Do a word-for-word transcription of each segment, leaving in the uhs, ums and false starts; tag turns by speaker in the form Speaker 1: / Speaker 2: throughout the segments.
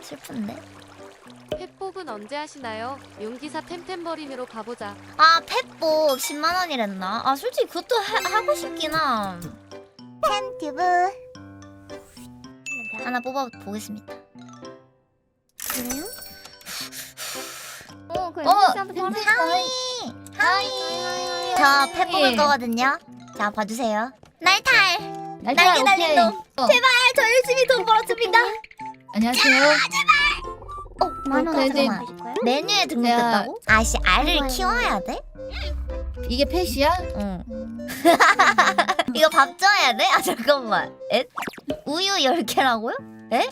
Speaker 1: 슬픈데.
Speaker 2: 펫복은 언제 하시나요? 용기사 템템버린으로 가보자.
Speaker 1: 아 펫복 십만 원이랬나? 아 솔직히 그것도 하, 하고 싶긴 함. 팬튜브 하나 뽑아보겠습니다.
Speaker 3: 그래요? 어, 그
Speaker 1: 어!
Speaker 3: 엠비씨한테 바로
Speaker 1: 하이! 하이! 저 펫 뽑을 거거든요. 자 봐주세요. 날탈! 날개 달린 놈!
Speaker 3: 어.
Speaker 1: 제발 저 열심히 돈 벌었습니다.
Speaker 3: 안녕하세요.
Speaker 1: 어? 만원
Speaker 3: 네, 네.
Speaker 1: 잠깐만. 메뉴에 등록됐다고? 아씨 알을 키워야 돼?
Speaker 3: 이게 펫이야?
Speaker 1: 응. 이거 밥 줘야 돼? 아 잠깐만. 에? 우유 열 개라고요? 에?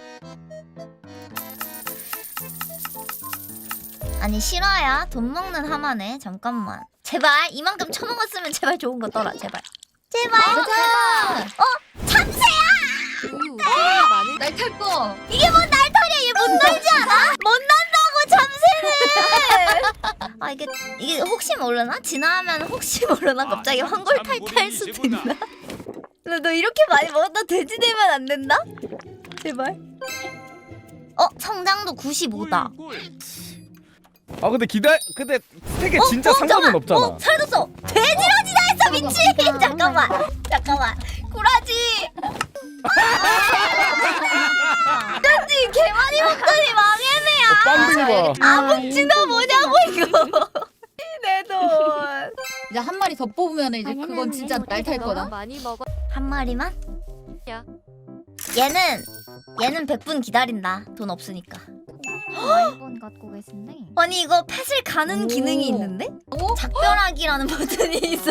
Speaker 1: 아니 실화야? 돈 먹는 하마네. 잠깐만. 제발 이만큼 처먹었으면 제발 좋은 거 떠라. 제발. 제발.
Speaker 3: 가자.
Speaker 1: 어? 참새야!
Speaker 2: 우유 우유가 많을
Speaker 3: 날 탈 거.
Speaker 1: 이게 뭔 날털이야? 얘 못 날지 않아? 못 난다고 참새는. 아 이게 이게 혹시 모르나? 지나면 혹시 모르나? 갑자기 황골 탈퇴할 수도 있나? 너, 너 이렇게 많이 먹었다 돼지 되면 안 된다? 제발. 어 성장도 구십오다.
Speaker 4: 아 근데 기다 근데 스택에
Speaker 1: 어?
Speaker 4: 진짜
Speaker 1: 어,
Speaker 4: 상관은
Speaker 1: 잠깐만.
Speaker 4: 없잖아.
Speaker 1: 어 사라졌어. 돼지러지다 했어 미친. 잠깐만. 잠깐만. 구라지. 돼지 개 많이 먹더니 망했네야.
Speaker 4: 빵댕이 봐.
Speaker 1: 아묵지나 뭐냐고 이거. 내 돈.
Speaker 3: 이제 한 마리 더 뽑으면 이제 그건 진짜 날 탈
Speaker 2: 너무
Speaker 3: 거다.
Speaker 2: 많이 먹어.
Speaker 1: 한 마리만?
Speaker 2: 야.
Speaker 1: 얘는 얘는 백 분 기다린다. 돈 없으니까.
Speaker 3: 아이폰 갖고 계신데.
Speaker 1: 아니 이거 펫을 가는
Speaker 3: 오.
Speaker 1: 기능이 있는데?
Speaker 3: 오?
Speaker 1: 작별하기라는 버튼이 있어.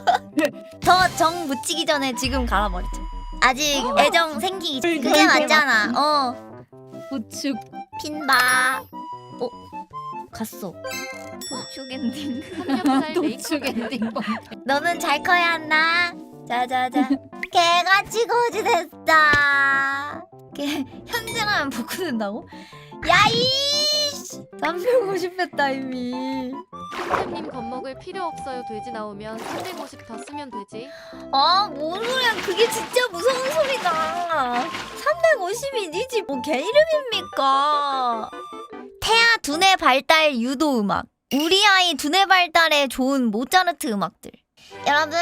Speaker 1: 더 정 붙이기 전에 지금 갈아버리자. 아직 애정 생기기 전- 그게 맞잖아. 어.
Speaker 3: 우측.
Speaker 1: 핀바. 어? 갔어. 도축 엔딩.
Speaker 2: 삼겹살
Speaker 3: 우측
Speaker 2: 메이커.
Speaker 3: 엔딩.
Speaker 1: 너는 잘 커야 한다. 자자자. 개같이 거지 됐다. 개 현질하면 복구된다고? 야이씨. 삼백오십 했다 이미.
Speaker 2: 템템님 겁먹을 필요 없어요. 돼지 나오면 삼백오십 더 쓰면 되지.
Speaker 1: 아, 뭔 소리야. 그게 진짜 무서운 소리다. 삼백오십이지 뭐 개 이름입니까? 태아 두뇌 발달 유도 음악. 우리 아이 두뇌 발달에 좋은 모차르트 음악들. 여러분,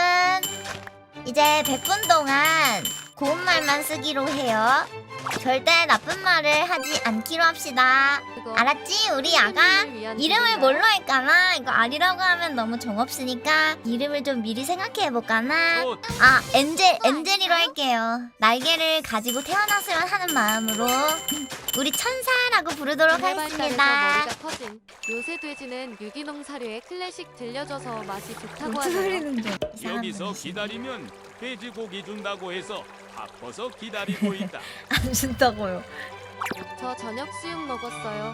Speaker 1: 이제 백 분 동안 고운 말만 쓰기로 해요. 절대 나쁜 말을 하지 않기로 합시다.
Speaker 2: 그거
Speaker 1: 알았지? 우리 아가
Speaker 2: 템템님을 위한
Speaker 1: 이름을
Speaker 2: 기능이야.
Speaker 1: 뭘로 할까나? 이거 아리라고 하면 너무 정없으니까 이름을 좀 미리 생각해볼까나? 아 엔젤, 엔젤이로 할게요. 날개를 가지고 태어났으면 하는 마음으로 우리 천사라고 부르도록
Speaker 2: 두뇌 발달에서
Speaker 1: 하겠습니다.
Speaker 2: 머리가 커진. 요새 돼지는 유기농 사료에 클래식 들려줘서 맛이 좋다고
Speaker 1: 무슨
Speaker 2: 하네요.
Speaker 1: 소리는 좀
Speaker 5: 여기서 기다리면 돼지고기 준다고 해서 아파서 기다리고 있다.
Speaker 1: 안 준다고요.
Speaker 2: 저 저녁 수육 먹었어요.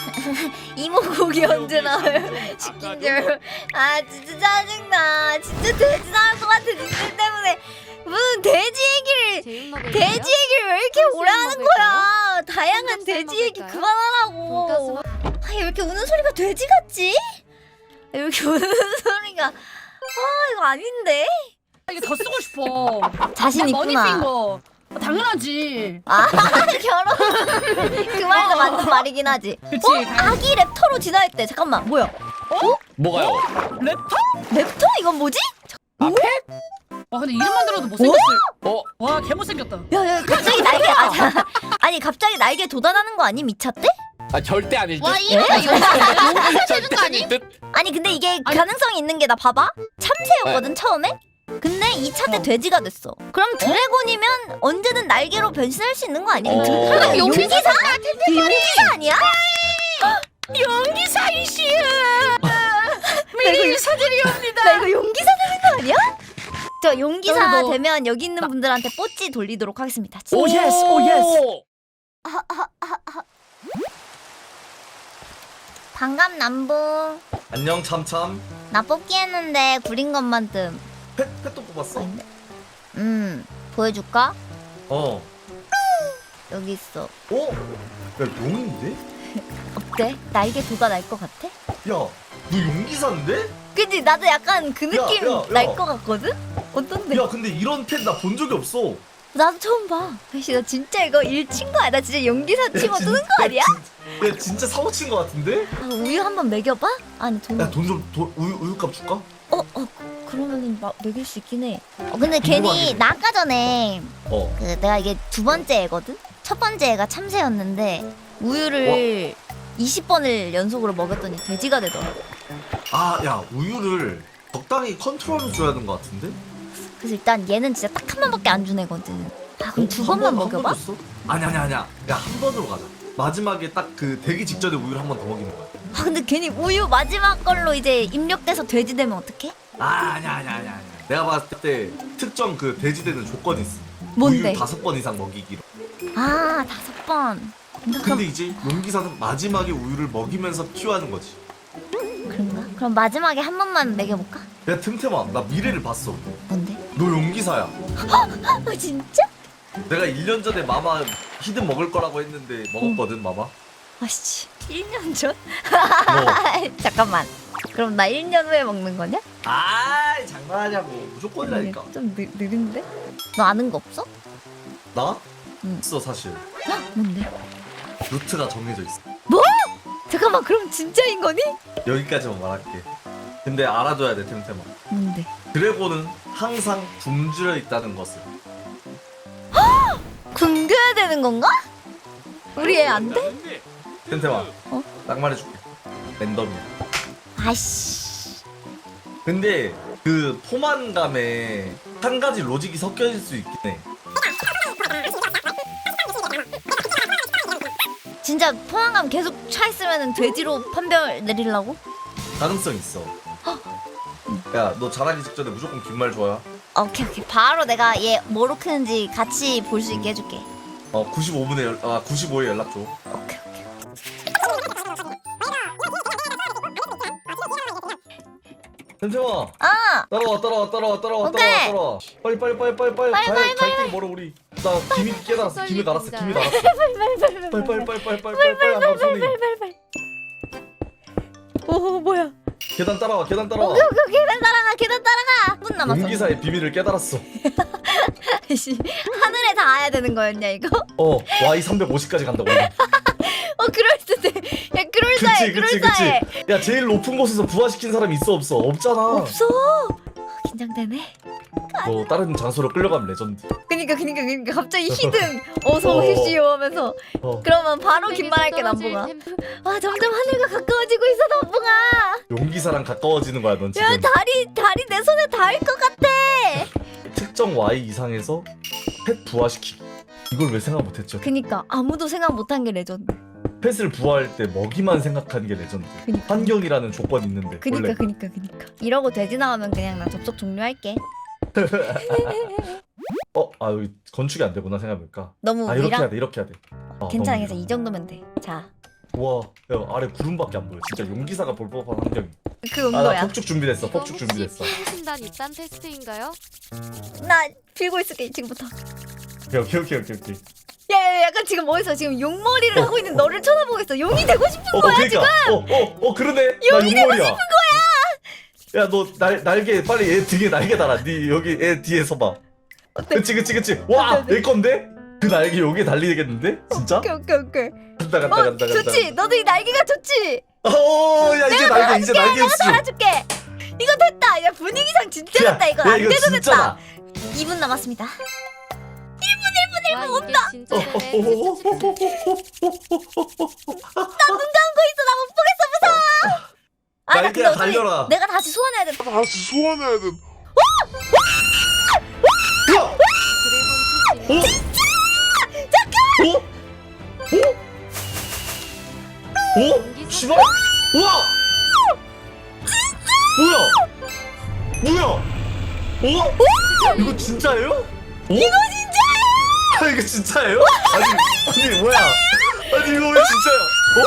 Speaker 1: 이모 고기 언제 나와요? 시킨 줄. 아 진짜 짜증나. 진짜 돼지 나올 것 같아 니들 때문에. 무슨 돼지 얘기를
Speaker 2: 제육 먹을까요?
Speaker 1: 돼지 얘기를 왜 이렇게 오래 하는 거야? 다양한
Speaker 2: 삼겹살
Speaker 1: 돼지 얘기
Speaker 2: 먹을까요?
Speaker 1: 그만하라고.
Speaker 2: 돈가스 먹-
Speaker 1: 아, 왜 이렇게 우는 소리가 돼지 같지? 왜 이렇게 우는 소리가 아 이거 아닌데?
Speaker 6: 이게 더 쓰고 싶어.
Speaker 1: 자신
Speaker 6: 머니
Speaker 1: 있구나.
Speaker 6: 핑거. 어, 당연하지.
Speaker 1: 아 결혼 그 말도 맞는 말이긴 하지.
Speaker 6: 그치.
Speaker 1: 어? 아기 랩터로 진화했대. 잠깐만 뭐야?
Speaker 4: 뭐가요?
Speaker 6: 랩터?
Speaker 1: 랩터 이건 뭐지?
Speaker 6: 와 근데 이름만 들어도 못생겼어.
Speaker 4: 어?
Speaker 6: 와 개 못생겼다.
Speaker 1: 야야 갑자기 날개 아, 자, 아니 갑자기 날개 돋아나는 거 아니 미쳤대?
Speaker 4: 아 절대 아닐 듯.
Speaker 3: 와 이름이 용기사 되는 거 아니?
Speaker 4: 듯.
Speaker 1: 아니 근데 이게
Speaker 6: 아니.
Speaker 1: 가능성이 있는 게 나 봐봐 참새였거든 처음에. 근데 이 차 때
Speaker 6: 어.
Speaker 1: 돼지가 됐어. 그럼 드래곤이면 언제든 날개로 변신할 수 있는 거 아니야?
Speaker 4: 어.
Speaker 1: 드-
Speaker 4: 그럼
Speaker 1: 용기사? 용기사 아니야?
Speaker 6: 용기사 이씨야.
Speaker 1: 미리
Speaker 6: 인사드리옵니다.
Speaker 1: 나 이거 용기사 되는 거 아니야? 저 용기사
Speaker 6: 저도
Speaker 1: 되면 여기 있는 분들한테 뽀찌 돌리도록 하겠습니다.
Speaker 6: 오 예스 오 예스.
Speaker 1: 반갑 남봉.
Speaker 7: 안녕 참참.
Speaker 1: 나 뽑기 했는데 구린 것만 뜸.
Speaker 7: 펫 펫도 뽑았어?
Speaker 1: 아닌데? 음 보여줄까?
Speaker 7: 어.
Speaker 1: 여기 있어.
Speaker 7: 어? 야 용인데?
Speaker 1: 어때? 날개 돋아 날 것 같아?
Speaker 7: 야, 너 용기사인데?
Speaker 1: 그치? 나도 약간 그
Speaker 7: 야,
Speaker 1: 느낌
Speaker 7: 야, 야.
Speaker 1: 날 것 같거든? 어떤데?
Speaker 7: 야, 근데 이런 펫 나 본 적이 없어.
Speaker 1: 나도 처음 봐. 아씨 나 진짜 이거 일 친 거야. 나 진짜 연기사 치고
Speaker 7: 진-
Speaker 1: 뜨는 거 아니야?
Speaker 7: 진- 야 진짜 사고 친 거 같은데?
Speaker 1: 아, 우유 한번 먹여봐? 아니 돈.
Speaker 7: 야 돈 좀 돈 우유 우유값 줄까?
Speaker 1: 어, 어, 그러면은 막 먹일 수 있긴 해. 어, 근데 괜히 나 아까 전에
Speaker 7: 어.
Speaker 1: 그 내가 이게 두 번째 애거든? 첫 번째 애가 참새였는데 우유를 이십 번을 연속으로 먹였더니 돼지가 되더라고.
Speaker 7: 아 야 우유를 적당히 컨트롤을 줘야 되는 거 같은데?
Speaker 1: 그래서 일단 얘는 진짜 딱 한 번밖에 안 준 애거든. 아, 그럼
Speaker 7: 어?
Speaker 1: 두
Speaker 7: 한
Speaker 1: 번만
Speaker 7: 번, 한
Speaker 1: 먹여봐?
Speaker 7: 번 줬어? 아니 아니 아니야. 야 한 번으로 가자. 마지막에 딱 그 되기 직전에 우유를 한 번 더 먹이는 거야.
Speaker 1: 아, 근데 괜히 우유 마지막 걸로 이제 입력돼서 돼지 되면 어떡해?
Speaker 7: 아 아니야 아니야 아니야 아니야. 내가 봤을 때 특정 그 돼지 되는 조건이 있어.
Speaker 1: 뭔데?
Speaker 7: 우유 다섯 번 이상 먹이기로.
Speaker 1: 아, 다섯 번. 그럼,
Speaker 7: 근데 이제 용기사는 마지막에 우유를 먹이면서 키워하는 거지.
Speaker 1: 그런가? 그럼 마지막에 한 번만 먹여볼까?
Speaker 7: 내가 틈틈아 나 미래를 봤어.
Speaker 1: 뭔데?
Speaker 7: 너 용기사야.
Speaker 1: 아, 진짜?
Speaker 7: 내가 일 년 전에 마마 히든 먹을 거라고 했는데 먹었거든 마마.
Speaker 1: 아씨, 일 년 전?
Speaker 7: 어.
Speaker 1: 잠깐만. 그럼 나 일 년 후에 먹는 거냐?
Speaker 7: 아이 장난하냐고. 무조건이라니까.
Speaker 1: 좀 느, 느린데? 너 아는 거 없어?
Speaker 7: 나?
Speaker 1: 응.
Speaker 7: 있어 사실.
Speaker 1: 헉, 뭔데?
Speaker 7: 루트가 정해져 있어.
Speaker 1: 잠깐만, 그럼 진짜인 거니?
Speaker 7: 여기까지만 말할게. 근데 알아둬야 돼 템템아.
Speaker 1: 뭔데?
Speaker 7: 드래곤은 항상 굶주려 있다는 것을.
Speaker 1: 굶겨야 되는 건가? 우리 애 안 돼?
Speaker 5: 된다는데
Speaker 7: 템템아.
Speaker 1: 어?
Speaker 7: 딱 말해줄게. 랜덤이야.
Speaker 1: 아이씨.
Speaker 7: 근데 그 포만감에 한 가지 로직이 섞여질 수 있긴 해.
Speaker 1: 진짜 포만감 계속 차 있으면 돼지로 판별 내리려고?
Speaker 7: 가능성 있어. 야, 너 자라기 직전에 무조건 긴 말 줘야.
Speaker 1: 오케이 오케이 바로 내가 얘 뭐로 크는지 같이 볼 수 있게 해줄게.
Speaker 7: 어, 구십오 분에 연, 아, 구십오에 연락 줘.
Speaker 1: 오케이 오케이.
Speaker 7: 템템아,
Speaker 1: 아
Speaker 7: 따라와, 따라와, 따라와, 따라와,
Speaker 1: 오케이.
Speaker 7: 따라와, 따라와. 빨리, 빨리, 빨리, 빨리, 빨리.
Speaker 1: 빨리,
Speaker 7: 갈,
Speaker 1: 빨리,
Speaker 7: 갈 데가 멀어 우리. 나 김이 깨달았어. 김이 달았어. 김이 달았어. 빨리, 빨리, 빨리, 빨리, 빨리, 빨리, 빨리, 안 감소니.
Speaker 1: 오 뭐야?
Speaker 7: 계단 따라와, 계단 따라와.
Speaker 1: 오케이 오케이 계단 따라가 계단 따라가. 분 남았어.
Speaker 7: 용기사의 비밀을 깨달았어.
Speaker 1: 씨 하늘에 닿아야 되는 거였냐 이거?
Speaker 7: 어, 와이 삼백오십까지 간다고. 원래.
Speaker 1: 어 그럴듯해. 야 그럴싸해
Speaker 7: 그치, 그치,
Speaker 1: 그럴싸해.
Speaker 7: 그치. 야, 제일 높은 곳에서 부화시킨 사람이 있어, 없어? 없잖아.
Speaker 1: 없어. 아, 긴장되네.
Speaker 7: 너 다른 장소로 끌려가면 레전드.
Speaker 1: 그니까 그니까 그니까 갑자기 히든 어서 오십시오 하면서
Speaker 7: 어.
Speaker 1: 그러면 바로 긴 말 할게 남봉아. 아 점점 하늘과 가까워지고 있어 남봉아.
Speaker 7: 용기사랑 가까워지는 거야, 넌 지금.
Speaker 1: 야 다리 다리 내 손에 닿을 것 같아.
Speaker 7: 특정 와이 이상에서 펫 부화시키기. 이걸 왜 생각 못했죠?
Speaker 1: 그니까 아무도 생각 못한 게 레전드.
Speaker 7: 펫을 부화할 때 먹이만 생각하는 게 레전드.
Speaker 1: 그니까.
Speaker 7: 환경이라는 조건이 있는데
Speaker 1: 그니까
Speaker 7: 원래.
Speaker 1: 그니까 그니까. 이러고 돼지 나오면 그냥 나 접속 종료할게.
Speaker 7: 어? 아 여기 건축이 안 되구나 생각해보니까.
Speaker 1: 너무
Speaker 7: 아 이렇게
Speaker 1: 위랑
Speaker 7: 해야 돼 이렇게 해야 돼. 아,
Speaker 1: 괜찮아
Speaker 7: 너무
Speaker 1: 괜찮아
Speaker 7: 위랑.
Speaker 1: 이 정도면 돼. 자 그
Speaker 7: 우와 야 아래 구름밖에 안 보여. 진짜 용기사가 볼 법한 환경이.
Speaker 1: 그
Speaker 7: 아나
Speaker 1: 정도야.
Speaker 7: 폭죽 준비됐어.
Speaker 2: 이거
Speaker 7: 폭죽
Speaker 2: 혹시
Speaker 7: 준비됐어.
Speaker 2: 피부신단 입단 테스트인가요?
Speaker 1: 나 빌고 있을게 지금부터.
Speaker 7: 오케이 오케이 오케이 오케이 오케이.
Speaker 1: 야, 야 약간 지금 뭐했어? 지금 용머리를
Speaker 7: 어,
Speaker 1: 하고 있는 너를 쳐다보고 있어. 용이 되고 싶은
Speaker 7: 어,
Speaker 1: 거야
Speaker 7: 그러니까.
Speaker 1: 지금.
Speaker 7: 어어어 어, 그러네. 나 용머리야. 야 너 날 날개 빨리 얘 등에 날개 달아. 네 여기 애 뒤에 서봐.
Speaker 1: 어때?
Speaker 7: 그치 그치 그치. 와
Speaker 1: 어때, 어때?
Speaker 7: 내 건데? 그 날개 여기에 달리겠는데? 진짜?
Speaker 1: 오케이 오케이 오케이.
Speaker 7: 간다 간다
Speaker 1: 어
Speaker 7: 간다 간다.
Speaker 1: 좋지. 너도 이 날개가 좋지.
Speaker 7: 어야 이제 날개 이제 날개
Speaker 1: 내가
Speaker 7: 있어.
Speaker 1: 달아줄게. 이거 됐다. 야 분위기상 진짜 됐다. 이거 안 돼도
Speaker 7: 진짜다.
Speaker 1: 됐다. 이 분 남았습니다.
Speaker 2: 와 이게 진짜
Speaker 7: 어,
Speaker 2: 되네.
Speaker 1: 나 눈 감고 있어. 나 못 보겠어 무서워. 아, 나 근데
Speaker 7: 날개야
Speaker 1: 어차피
Speaker 7: 달려라.
Speaker 1: 내가 다시 소환해야 돼.
Speaker 8: 다시 소환해야 돼.
Speaker 7: 야!
Speaker 2: 드래곤 투
Speaker 7: 어? 어? 어? 씨발? 우와! 뭐야? 뭐야? 어? 이거 진짜예요? 어? 이거 진짜예요? 아 이거 진짜예요? 아니 아니 뭐야? 아니 이거 왜 진짜야? 어?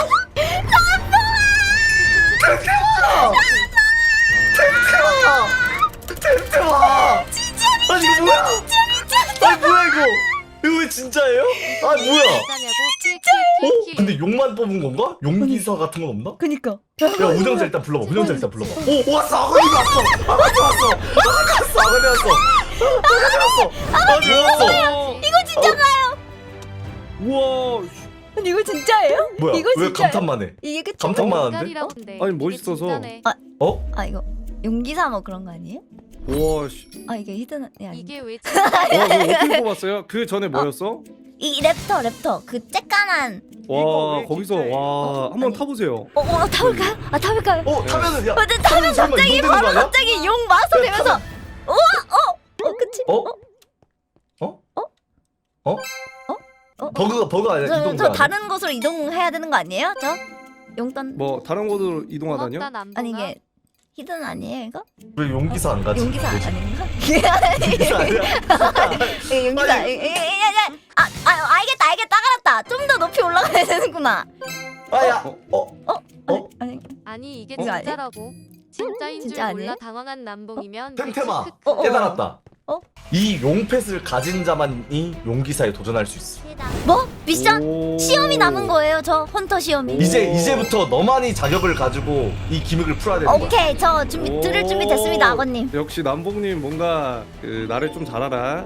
Speaker 7: 템템아! 템템아! 템템아! 진짜 아니 이거 뭐야? 아니 뭐야 이거? 이거 왜 진짜예요? 아 뭐야?
Speaker 2: 진짜냐고
Speaker 7: 어?
Speaker 2: 킬킬킬킬.
Speaker 7: 근데 용만 뽑은 건가? 용기사 같은 건 없나?
Speaker 1: 그니까.
Speaker 7: 야 운영자 일단 불러봐. 운영자 일단 불러봐. 오 왔어. 아버님 왔어. 아버님 왔어. 아버님 왔어. 아버님 왔어. 아 죽었어.
Speaker 1: 이거 진짜가요?
Speaker 4: 우와.
Speaker 1: 아니 이거 진짜예요?
Speaker 7: 뭐야?
Speaker 1: 이거
Speaker 7: 왜
Speaker 1: 진짜예요?
Speaker 7: 감탄만 해?
Speaker 1: 이게 그쵸?
Speaker 7: 감탄만 하는데?
Speaker 2: 인간이라고 한대.
Speaker 4: 아니,
Speaker 2: 이게
Speaker 4: 멋있어서.
Speaker 2: 진짜네.
Speaker 7: 어?
Speaker 1: 아 이거 용기사 뭐 그런 거 아니에요?
Speaker 4: 우와. 씨.
Speaker 1: 아 이게 히든 아니
Speaker 2: 이게 왜
Speaker 4: 와, 이거 어떻게 뽑았어요? 그 전에 뭐였어?
Speaker 1: 이 랩터 랩터 그 쬐깐한
Speaker 4: 와, 거기서 와, 한번
Speaker 1: 아니.
Speaker 4: 타보세요.
Speaker 1: 어, 어 타볼까요? 아 타볼까요?
Speaker 7: 어 타면은 야.
Speaker 1: 어, 근데 타면
Speaker 7: 설마
Speaker 1: 갑자기
Speaker 7: 이동 되는 거
Speaker 1: 바로
Speaker 7: 아니야?
Speaker 1: 갑자기 용 마스터 되면서 우와 어? 어 그치?
Speaker 7: 어? 어?
Speaker 1: 어?
Speaker 7: 어?
Speaker 1: 어?
Speaker 7: 버그가 버그 아니야
Speaker 1: 저,
Speaker 7: 이동.
Speaker 1: 저 다른 곳으로 이동해야 되는 거 아니에요? 저? 용단
Speaker 4: 뭐 다른 곳으로 이동하다뇨?
Speaker 2: 고맙다, 남동아.
Speaker 1: 아니 이게 히든 아니에요 이거?
Speaker 7: 왜 용기사 안 가지?
Speaker 1: 용기사
Speaker 7: 뭐지?
Speaker 1: 아닌가?
Speaker 7: 용기사 아니야?
Speaker 1: 이게 용기사
Speaker 7: 아니.
Speaker 1: 이- 이- 이- 이- 아, 아 알겠다 알겠다 알았다 좀 더 높이 올라가야 되는구나
Speaker 7: 아야. 어?
Speaker 1: 아니,
Speaker 7: 어?
Speaker 1: 아니
Speaker 2: 아니 이게
Speaker 1: 이거 아니야?
Speaker 2: 진짜라고. 진짜인 줄
Speaker 1: 진짜
Speaker 2: 몰라
Speaker 1: 아니에요?
Speaker 2: 당황한 남봉이면
Speaker 7: 템템아.
Speaker 2: 크크크.
Speaker 1: 어, 어.
Speaker 7: 깨달았다.
Speaker 1: 어?
Speaker 7: 이 용펫을 가진 자만이 용기사에 도전할 수 있어.
Speaker 1: 뭐? 미션?
Speaker 4: 오.
Speaker 1: 시험이 남은 거예요 저 헌터 시험이
Speaker 4: 오.
Speaker 7: 이제 이제부터 너만이 자격을 가지고 이 기믹을 풀어야 되는 거야.
Speaker 1: 오케이 저 준비 들을 준비 됐습니다 아버님
Speaker 4: 역시 남봉님 뭔가 그 나를 좀 잘 알아.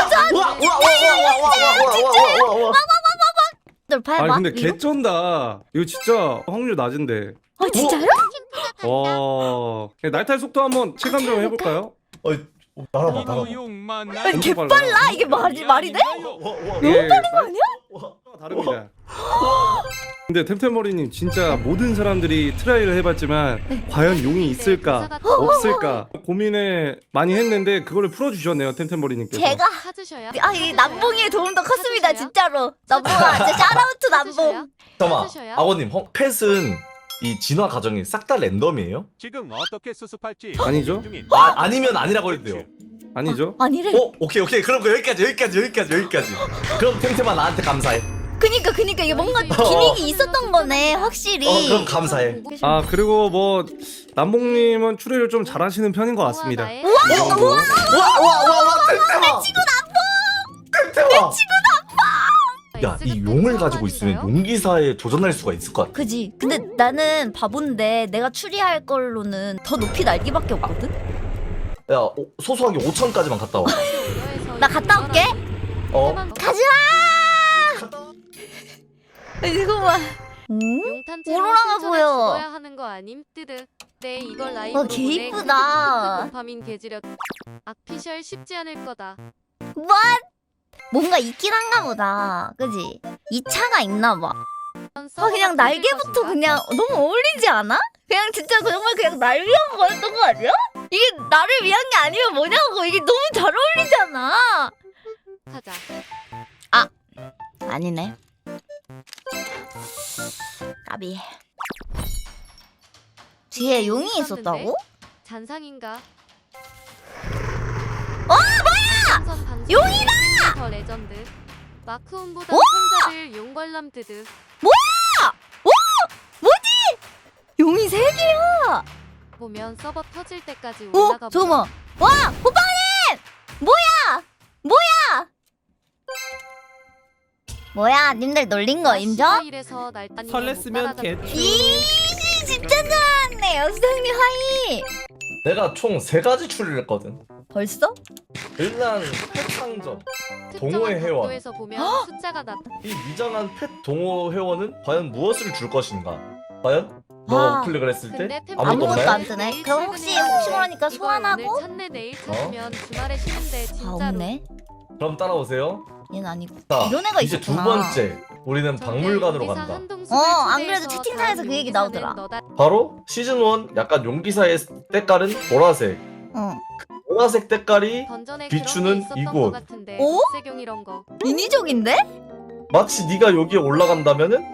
Speaker 7: 와와와와와와와와와와와.
Speaker 1: 널 봐봐
Speaker 4: 아니 근데
Speaker 1: 위로?
Speaker 4: 개쩐다. 이거 진짜 확률 낮은데.
Speaker 1: 아 진짜요?
Speaker 4: 와. 날탈 속도 한번 체감 좀 해볼까요?
Speaker 7: 어, 날아봐 날아봐.
Speaker 5: 이노용 만나.
Speaker 1: 아니 개빨라 이게 말이 말이 돼?
Speaker 4: 너무
Speaker 1: 빠른 거 아니야?
Speaker 4: 다릅니다. 근데 템템머리님 진짜 모든 사람들이 트라이를 해봤지만 과연 용이 있을까 없을까 고민을 많이 했는데 그거를 풀어주셨네요 템템머리님께서.
Speaker 1: 제가
Speaker 2: 찾으셔야.
Speaker 1: 아 이 남봉의 도움도 컸습니다 진짜로 남봉아 진짜 샤라우트 남봉
Speaker 7: 잠깐만.
Speaker 2: 찾으셔야?
Speaker 7: 아버님, 어, 펫은 이 진화 과정이 싹 다 랜덤이에요?
Speaker 5: 지금 어떻게 수습할지
Speaker 4: 아니죠?
Speaker 5: 고민 중인
Speaker 7: 아 아니면 아니라고 해도 돼요.
Speaker 4: 아니죠?
Speaker 1: 아니래
Speaker 7: 어 오케이 오케이 그럼 그 여기까지 여기까지 여기까지 여기까지. 그럼 템템아 나한테 감사해.
Speaker 1: 그니까 그니까 이게 뭔가
Speaker 2: 어.
Speaker 1: 기믹이 있었던 거네 확실히
Speaker 7: 어 그럼 감사해.
Speaker 4: 아 그리고 뭐 남봉님은 추리를 좀 잘하시는 편인 것 같습니다.
Speaker 2: 나의
Speaker 4: 이 정도.
Speaker 7: 와와와와 템템아. 템템아. 야 이 용을 가지고 있으면 용기사에 도전할 수가 있을 것 같아.
Speaker 1: 그지 근데 나는 바본데 내가 추리할 걸로는 더 높이 날기밖에 없거든
Speaker 7: 야 오, 소소하게 오천까지만 갔다 와.
Speaker 1: 나 갔다 올게
Speaker 7: 어?
Speaker 1: 가지마 이거만 음?
Speaker 2: 용탄체로
Speaker 1: 오로라가
Speaker 2: 신전에
Speaker 1: 보여.
Speaker 2: 죽어야 하는 거 아님? 뜨드. 네 이걸 라이브로
Speaker 1: 와, 개 이쁘다.
Speaker 2: 도파민 개지력. 악피셜 쉽지 않을 거다.
Speaker 1: what? 뭔가 있긴 한가 보다 그지 이 차가 있나 봐 아 그냥 날개부터 그냥 너무 어울리지 않아? 그냥 진짜 그 정말 그냥 날 위한 거였던 거 아니야? 이게 나를 위한 게 아니면 뭐냐고 이게 너무 잘 어울리잖아
Speaker 2: 하자.
Speaker 1: 아니네 까비 뒤에 용이 있었다고?
Speaker 2: 잔상인가?
Speaker 1: 어 뭐야! 용이다!
Speaker 2: 더 레전드. 마크온보다
Speaker 1: 와!
Speaker 2: 천자를 용관람 뜨드.
Speaker 1: 용이 세 개야
Speaker 2: 보면 서버 터질 때까지
Speaker 1: 어?
Speaker 2: 올라가.
Speaker 1: 잠깐만 와! 호빵님! 뭐야! 뭐야! 뭐야 님들 놀린 거 인정?
Speaker 2: 이래서 날따니
Speaker 8: 설렜으면 개
Speaker 1: 이 진짜 잘하네 수장님 하이
Speaker 7: 내가 총 세 가지 추리를 했거든.
Speaker 1: 벌써?
Speaker 7: 일단 펫 상점. 동호회 회원.
Speaker 2: 에서 보면 숫자가 나.
Speaker 7: 이 위장한 펫 동호 회원은 과연 무엇을 줄 것인가? 과연? 너
Speaker 1: 아.
Speaker 7: 클릭을 했을 때
Speaker 2: 근데 템-
Speaker 7: 아무것도
Speaker 1: 아무것도
Speaker 7: 없나요?
Speaker 1: 안 뜨네 그럼 혹시 혹시 모르니까
Speaker 2: 이걸
Speaker 1: 소환하고?
Speaker 2: 오늘 찾네 내일 찾으면 주말에 쉬는데
Speaker 1: 아
Speaker 2: 진짜로.
Speaker 1: 없네
Speaker 7: 그럼 따라오세요.
Speaker 1: 얘는 아니고
Speaker 7: 자,
Speaker 1: 이런 애가
Speaker 7: 이제
Speaker 1: 있었구나
Speaker 7: 두 번째 우리는 박물관으로 간다.
Speaker 1: 어, 안 그래도 채팅창에서 그 얘기 나오더라.
Speaker 7: 바로 시즌 일 약간 용기사의 때깔은 보라색.
Speaker 1: 어
Speaker 7: 보라색 때깔이
Speaker 2: 던전에
Speaker 7: 비추는
Speaker 2: 그런 게 있었던
Speaker 7: 이곳.
Speaker 2: 것 같은데.
Speaker 1: 오?
Speaker 2: 세경 이런 거.
Speaker 1: 인위적인데?
Speaker 7: 마치 네가 여기에 올라간다면은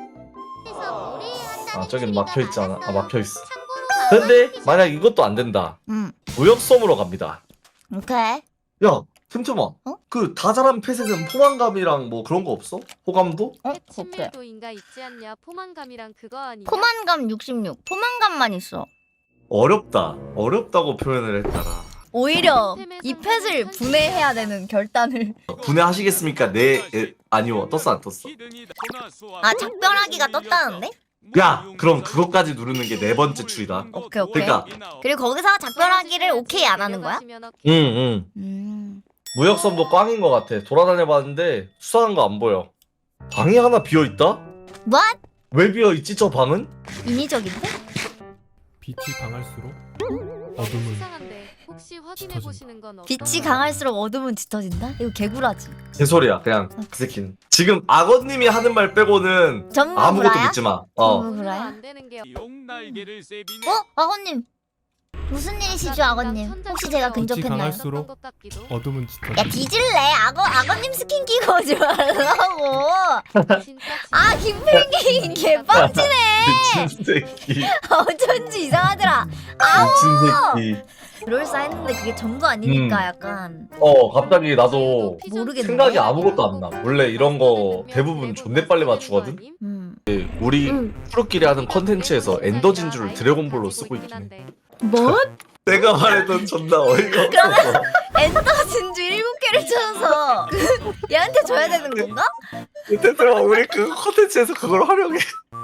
Speaker 7: 아 저긴 막혀 있지 않아? 아 막혀 있어. 근데 만약 이것도 안 된다.
Speaker 1: 응
Speaker 7: 무역섬으로 갑니다.
Speaker 1: 오케이
Speaker 7: 야 틈틈아.
Speaker 1: 어?
Speaker 7: 그 다 자란 펫에는 포만감이랑 뭐 그런 거 없어? 호감도?
Speaker 1: 어? 오케이
Speaker 2: 친밀도인가 있지 않냐? 포만감이랑 그거 아니야?
Speaker 1: 포만감 육십육 포만감만 있어
Speaker 7: 어렵다. 어렵다고 표현을 했다라.
Speaker 1: 오히려 이 펫을 분해해야 되는 결단을
Speaker 7: 분해하시겠습니까? 네, 에, 아니요. 떴어 안 떴어?
Speaker 1: 아 작별하기가 떴다는데?
Speaker 7: 야, 그럼 그것까지 누르는 게 네 번째 추리다.
Speaker 1: 오케이 오케이
Speaker 7: 그러니까.
Speaker 1: 그리고 거기서 작별하기를 오케이 안 하는 거야?
Speaker 7: 응, 응.
Speaker 1: 음
Speaker 7: 무역섬도 꽝인 것 같아. 돌아다녀봤는데 수상한 거 안 보여. 방이 하나 비어 있다?
Speaker 1: What?
Speaker 7: 왜 비어 있지 저 방은?
Speaker 1: 인위적인데?
Speaker 8: 빛이 강할수록 어둠은
Speaker 2: 수상한데 혹시 확인해
Speaker 8: 짙어진다.
Speaker 2: 보시는 건 없?
Speaker 1: 빛이 강할수록 어둠은 짙어진다? 이거 개구라지.
Speaker 7: 개소리야 그냥 그 새끼는. 지금 악어님이 하는 말 빼고는
Speaker 1: 전부
Speaker 7: 아무것도
Speaker 1: 구라야?
Speaker 7: 믿지 마. 어.
Speaker 1: 전부 구라야?
Speaker 2: 안 되는 게
Speaker 5: 용 날개를 세비네.
Speaker 1: 어? 아버님 무슨 일이시죠 아버님? 혹시 제가 근접했나요?
Speaker 8: 강할수록
Speaker 2: 것 같기도.
Speaker 8: 어둠은
Speaker 1: 야
Speaker 8: 짙어진다.
Speaker 1: 뒤질래 악어 악어님 스킨 끼고 오지 말라고.
Speaker 2: 진짜
Speaker 1: 아 김펭귄 개빵치네.
Speaker 7: 미친 새끼.
Speaker 1: 어쩐지 이상하더라.
Speaker 7: 미친 새끼.
Speaker 1: 롤싸 했는데 그게 전부 아니니까
Speaker 7: 음.
Speaker 1: 약간
Speaker 7: 어 갑자기 나도
Speaker 1: 모르겠네.
Speaker 7: 생각이 아무것도 안 나. 원래 이런 거 대부분 존내 빨리 맞추거든?
Speaker 1: 음.
Speaker 7: 우리 프로끼리 하는 컨텐츠에서 엔더 진주를 드래곤볼로 쓰고 있긴 해.
Speaker 3: 뭐?
Speaker 7: 내가 말했던 존나 어이가 없어서.
Speaker 1: 엔더 진주 일곱 개를 찾아서 그 얘한테 줘야 되는 건가?
Speaker 7: 대표가 우리 그 컨텐츠에서 그걸 활용해.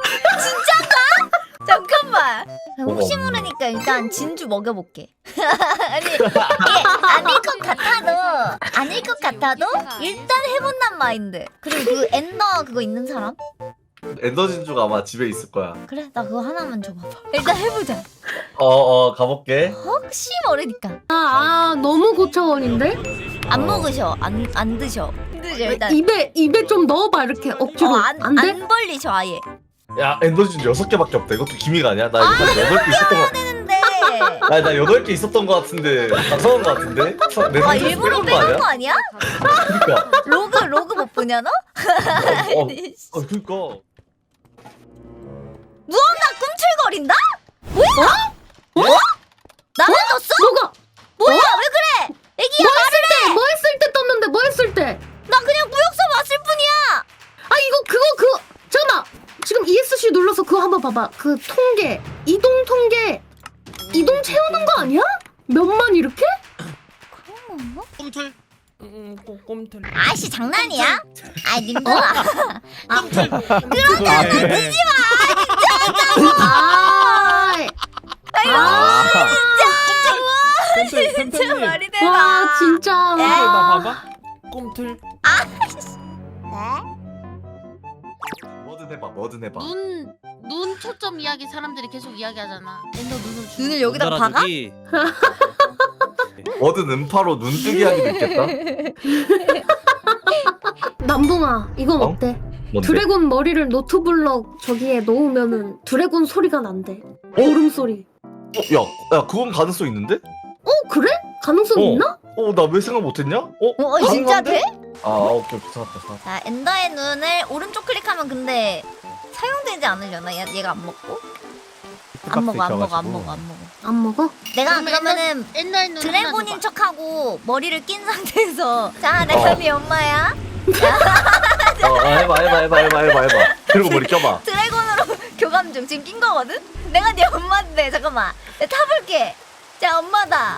Speaker 1: 잠깐만. 혹시
Speaker 7: 뭐가 없네.
Speaker 1: 모르니까 일단 진주 먹여볼게. 아니 이게 아닐 것 같아도 아닐 것 같아도 일단 해본단 마인드. 그리고 그 엔더 그거 있는 사람?
Speaker 7: 엔더 진주가 아마 집에 있을 거야.
Speaker 1: 그래 나 그거 하나만 줘봐봐. 일단 해보자.
Speaker 7: 어어 가볼게.
Speaker 1: 혹시 모르니까.
Speaker 9: 아, 아 너무 고차원인데?
Speaker 1: 안 먹으셔. 안 안 드셔. 안 드셔 일단.
Speaker 9: 입에 입에 좀 넣어봐 이렇게 억지로.
Speaker 1: 어, 안,
Speaker 9: 안 돼?
Speaker 1: 안 벌리셔 아예.
Speaker 7: 야 엔더 진주 여섯 개밖에 없다. 이것도 기미가 아니야? 나 이거 한 여덟 개 있었던 거.
Speaker 1: 근데
Speaker 7: 아니 나 여덟 개 있었던 거 같은데 작성한 거 같은데? 사- 내
Speaker 1: 아
Speaker 7: 상자에서
Speaker 1: 일부러
Speaker 7: 빼놓은 거
Speaker 1: 빼놓은
Speaker 7: 아니야?
Speaker 1: 거 아니야?
Speaker 7: 그니까.
Speaker 1: 로그 로그 못 보냐 너?
Speaker 7: 어, 어, 어 그니까.
Speaker 1: 무언가 꿈틀거린다? 뭐야? 어? 나만 떴어?
Speaker 9: 뭐가?
Speaker 1: 뭐야 왜 그래? 애기야
Speaker 9: 뭐 했을 때? 뭐 했을 때 떴는데 뭐 했을 때?
Speaker 1: 나 그냥 무역섬 왔을 뿐이야.
Speaker 9: 아 이거 그거 그거 잠깐만 지금 이에스씨 눌러서 그거 한번 봐봐. 그 통계 이동 통계 이동 채우는 거 아니야? 몇만 이렇게?
Speaker 1: 그런 건가?
Speaker 5: 꿈틀.
Speaker 8: 음, 꼼틀.
Speaker 1: 아씨 장난이야? 아이 님들아.
Speaker 9: 아,
Speaker 1: 아유
Speaker 8: 꼼틀
Speaker 1: 진짜
Speaker 8: 템템님.
Speaker 1: 말이 되나?
Speaker 9: 와 진짜.
Speaker 8: 꼼틀 나 봐봐. 꼼틀.
Speaker 7: 뭐든 해봐 뭐든 해봐.
Speaker 3: 눈, 눈 초점 이야기 사람들이 계속 이야기하잖아. 엔더 눈을 주.
Speaker 1: 눈을 여기다가 박아?
Speaker 7: 뭐든 음파로 눈뜨기 하기도 있겠다.
Speaker 9: 남봉아 이건
Speaker 7: 어?
Speaker 9: 어때?
Speaker 7: 뭔데?
Speaker 9: 드래곤 머리를 노트블럭 저기에 놓으면은 드래곤 소리가 난대. 오름 소리.
Speaker 7: 어, 야, 야 그건 가능성 있는데?
Speaker 9: 어 그래? 가능성
Speaker 7: 어.
Speaker 9: 있나?
Speaker 7: 어 나 왜 생각 못했냐? 어?
Speaker 1: 어 진짜
Speaker 7: 가능한데?
Speaker 1: 돼?
Speaker 7: 아 오케이 오케이 찾았다 찾았다.
Speaker 1: 자 엔더의 눈을 오른쪽 클릭하면 근데 사용되지 않으려나? 얘, 얘가 안 먹고? 안 먹어 안 먹어 안 먹어 안 먹어.
Speaker 9: 안 먹어?
Speaker 1: 내가
Speaker 3: 그러면
Speaker 1: 그러면은
Speaker 3: 옛날 눈.
Speaker 1: 드래곤인 척하고 머리를 낀 상태에서 자 내가
Speaker 7: 어.
Speaker 1: 네 엄마야.
Speaker 7: 어 아, 해봐 해봐 해봐 해봐 해봐 해봐. 그리고 머리 껴봐.
Speaker 1: 드래곤으로 교감 중 지금 낀 거거든? 내가 네 엄마인데 잠깐만 내가 타볼게. 자 엄마다.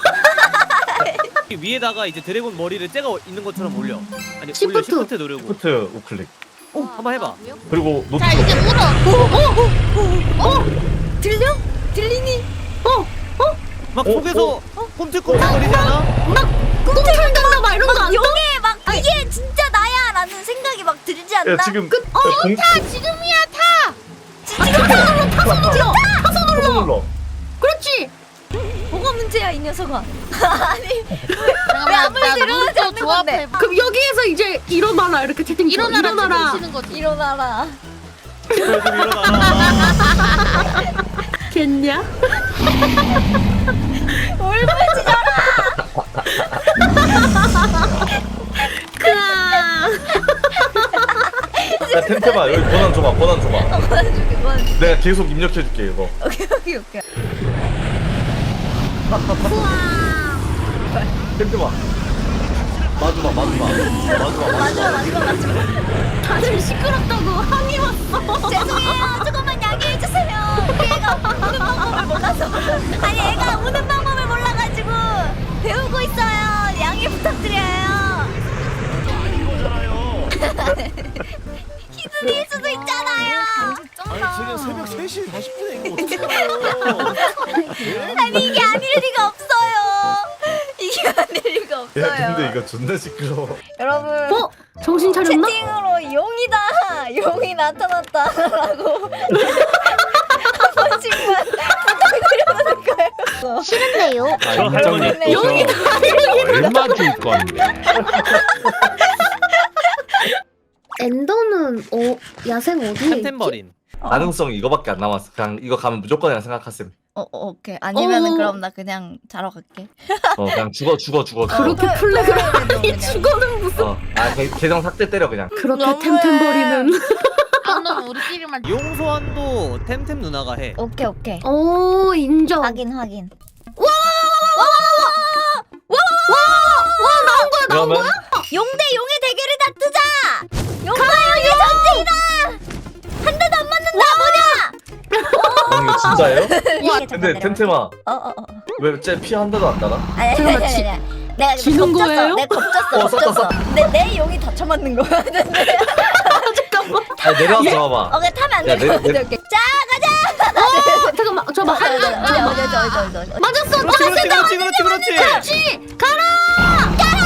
Speaker 10: 위에다가 이제 드래곤 머리를 째가 있는 것처럼 올려. 아니 올려
Speaker 9: 시프트.
Speaker 10: 시프트 누르고.
Speaker 7: 시프트 우클릭.
Speaker 10: 어, 한번 해봐.
Speaker 7: 그리고 노트.
Speaker 3: 자 이제 물어.
Speaker 1: 들려? 들리니?
Speaker 10: 막
Speaker 7: 어,
Speaker 10: 속에서 꼼틀꼼틀 거리지 않아?
Speaker 9: 꿈틀댄다 막 이런 거 안 떠?
Speaker 1: 용해 막 이게 진짜 나야 라는 생각이 막 들지 않나?
Speaker 7: 야 지금 그, 어 공...
Speaker 3: 지금이야 타.
Speaker 7: 타서 눌러.
Speaker 9: 그렇지.
Speaker 1: 뭐가 문제야 이 녀석아. 아니
Speaker 3: 잠깐만
Speaker 1: 아무리
Speaker 3: 나
Speaker 1: 들어가지
Speaker 3: 눈도
Speaker 1: 않는 건데.
Speaker 3: 조합해.
Speaker 9: 그럼 여기에서 이제 일어나라 이렇게 채팅 쳐.
Speaker 3: 일어나라
Speaker 9: 일어나라.
Speaker 3: 치는 거지.
Speaker 1: 일어나라.
Speaker 10: 그래 좀 일어나.
Speaker 9: 겠냐?
Speaker 1: 울부짖어라.
Speaker 7: 야 템템아 여기 권한 줘봐 권한 줘봐.
Speaker 1: 그만해줄게 그만해줄게.
Speaker 7: 내가 계속 입력해줄게 이거.
Speaker 1: 오케이 오케이 오케이.
Speaker 7: 템템아. 마주봐 마주봐 마주봐 마주봐.
Speaker 1: 마지막 마지막 마지막.
Speaker 9: 다들 시끄럽다고 항의 왔어.
Speaker 1: 죄송해요. 조금만 양해해 주세요. 얘가 우는 방법을 몰라서. 아니 얘가 우는 방법을 몰라가지고 배우고 있어요. 양해 부탁드려요. 히든일 수도 있잖아요.
Speaker 8: 아니 지금 새벽 세 시 사십 분에 이거 어떡해요?
Speaker 1: 아니 이게 아닐 리가 없어요. 이게 아닐 리가 없어.
Speaker 7: 근데 이거 존나 시끄러워.
Speaker 1: 여러분
Speaker 9: 어? 정신 차렸나?
Speaker 1: 채팅으로 용이다 용이 나타났다라고 한 번씩만 부탁드려볼까요?
Speaker 9: 싫은데요.
Speaker 10: 저 할머니
Speaker 1: 용이다.
Speaker 5: 얼마 줄 건데?
Speaker 9: 엔더는 어 야생 어디에 있지?
Speaker 10: 템템버린.
Speaker 7: 가능성 이거밖에 안 남았어. 그냥 이거 가면 무조건이라 생각하셈.
Speaker 1: 어, 어 오케이 아니면은
Speaker 9: 어.
Speaker 1: 그럼 나 그냥 자러 갈게.
Speaker 7: 어 그냥 죽어 죽어 죽어. 죽어.
Speaker 9: 그렇게
Speaker 1: 어,
Speaker 9: 플래그를
Speaker 1: 그래, 그래,
Speaker 9: 하니
Speaker 1: 그냥.
Speaker 9: 죽어는 무슨
Speaker 7: 어. 아 개- 계정 삭제 때려 그냥.
Speaker 9: 그렇게
Speaker 1: 너무해.
Speaker 9: 템템버리는
Speaker 3: 안 너무 우리끼리만.
Speaker 10: 용소환도 템템 누나가 해.
Speaker 1: 오케이 오케이
Speaker 9: 오 인정.
Speaker 1: 확인 확인.
Speaker 7: 그러면
Speaker 1: 용대 용의 대결을 다 뜨자. 용과 용의 전쟁이다. 한 대도 안 맞는다. 뭐냐?
Speaker 7: 어, 이거 진짜예요?
Speaker 1: 와,
Speaker 7: 근데 템템아
Speaker 1: 어어어.
Speaker 7: 왜쟤피 한 대도 안 달아?
Speaker 1: 아니 아니
Speaker 9: 잠깐만,
Speaker 1: 아니
Speaker 9: 지-
Speaker 1: 아니. 내가
Speaker 9: 지는
Speaker 1: 겁졌어.
Speaker 9: 거예요?
Speaker 1: 내가 겁졌어.
Speaker 7: 어, 썼다,
Speaker 1: 겁졌어. 근데 내 용이 다 쳐맞는 거야.
Speaker 7: 아 내려와서 잡아봐.
Speaker 1: 오케이 타면 안
Speaker 7: 야,
Speaker 1: 돼.
Speaker 7: 내-
Speaker 1: 오케이
Speaker 7: 내-
Speaker 1: 오케이. 자 가자.
Speaker 9: 어 잠깐만 저봐
Speaker 1: 어디 어디 어디 어디 어디 어디 어디.
Speaker 9: 맞았어
Speaker 10: 그렇지
Speaker 9: 맞았어
Speaker 10: 그렇지 그렇지 그렇지 그렇지.
Speaker 9: 그렇지 가라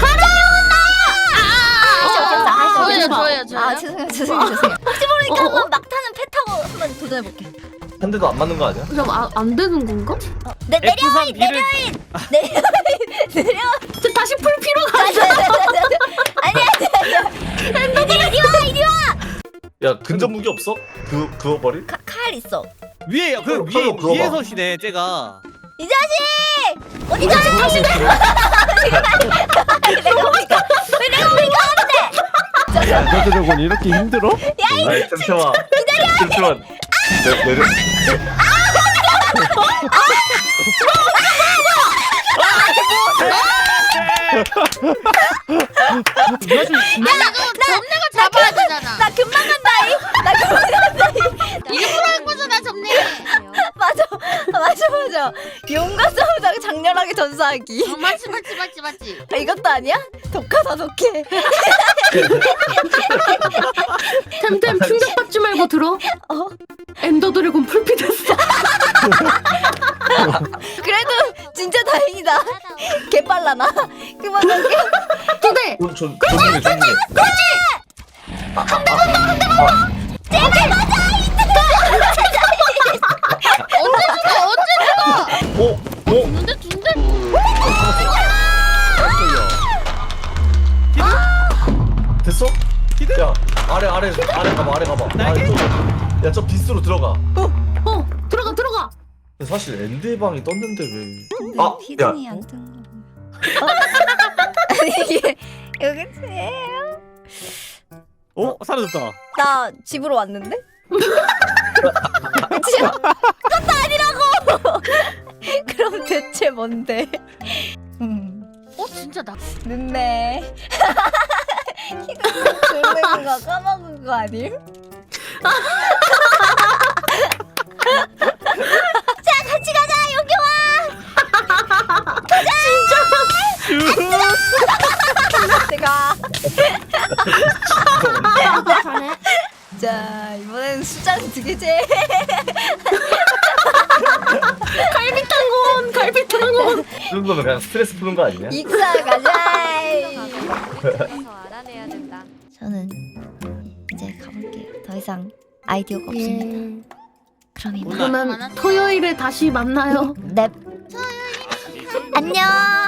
Speaker 3: 저예요, 저예요, 저예요.
Speaker 1: 아 죄송해요 죄송해요 죄송해요. 혹시 모르니까
Speaker 9: 어, 어,
Speaker 1: 한번 막 타는 패 타고 한번 도전해볼게.
Speaker 7: 한 대도 안 맞는 거 아니야?
Speaker 9: 잠깐 안, 안 되는 건가?
Speaker 1: 어, 내 내려
Speaker 10: 에프 삼 B를
Speaker 1: 내려 내려.
Speaker 9: 저 다시 풀 필요가
Speaker 1: 아니 아니 아니 아니. 이리 와 이리 와.
Speaker 7: 야 근접 무기 없어? 그 그거 버리?
Speaker 1: 카- 칼 있어.
Speaker 10: 위에 그
Speaker 7: 그럼
Speaker 10: 위에
Speaker 7: 그거
Speaker 10: 위에
Speaker 7: 봐.
Speaker 10: 서시네 쟤가.
Speaker 1: 이 자식 어디 가서 다시 내. 내가 오니까 왜 내가 오니까 하는데?
Speaker 8: 엔더 드래곤 이렇게 힘들어?
Speaker 7: 아이 템템아. 템템아. 내 내려.
Speaker 3: 점내가 잡아야 되잖아.
Speaker 1: 나 금방 간다이. 나 금방 간다이.
Speaker 3: 일부러 한 거잖아, 점내.
Speaker 1: 맞아 맞아 맞아. 용과 싸우다가 장렬하게 전사하기.
Speaker 3: 어, 맞지, 맞지, 맞지, 맞지.
Speaker 1: 아, 이것도 아니야? 독하다 독해.
Speaker 9: 템템 충격받지 말고 들어
Speaker 1: 어
Speaker 9: 엔더 드래곤 풀피 됐어
Speaker 1: 그래도 진짜 다행이다. 개 빨라 나. 그만 갈게.
Speaker 9: 두대
Speaker 7: 어, 전 존중해 존중해.
Speaker 1: 제발 맞아.
Speaker 3: 언제 죽어, 언제 죽어.
Speaker 7: 오 오.
Speaker 3: 근데 둔대.
Speaker 7: 됐어? 야 아래 아래 아래 가봐 아래 가봐. 아래 야저 빗으로 들어가.
Speaker 9: 어 들어가 들어가
Speaker 7: 근데 사실 엔드의 방이 떴는데 왜?
Speaker 1: 근데
Speaker 7: 아,
Speaker 1: 히든이
Speaker 7: 야.
Speaker 1: 안 뜬 거. 어? 아니 이게 여기 죄예요?
Speaker 10: 어 사라졌다.
Speaker 1: 나 집으로 왔는데? 그치? 그것도 아니라고! 그럼 대체 뭔데? 음,
Speaker 3: 어, 진짜 나.
Speaker 1: 늦네. 이거 졸는 거 까먹은 거 아님? 자, 같이 가자, 여기 와! 가자! 제가. 자, 이번엔 수장 두 개째.
Speaker 9: 갈비탕원 갈비탕원
Speaker 7: 이 정도면 그냥 스트레스 푸는 거 아니냐?
Speaker 1: 익사 가자.
Speaker 2: 가서 알아내야 된다.
Speaker 1: 저는 이제 가볼게요. 더 이상 아이디어가 없습니다. 그럼 이만.
Speaker 9: 그러면 토요일에 다시 만나요
Speaker 1: 넵. 안녕.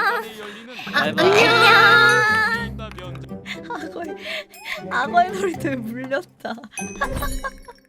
Speaker 10: 안녕.
Speaker 1: 악어의 악어의 머리도 물렸다.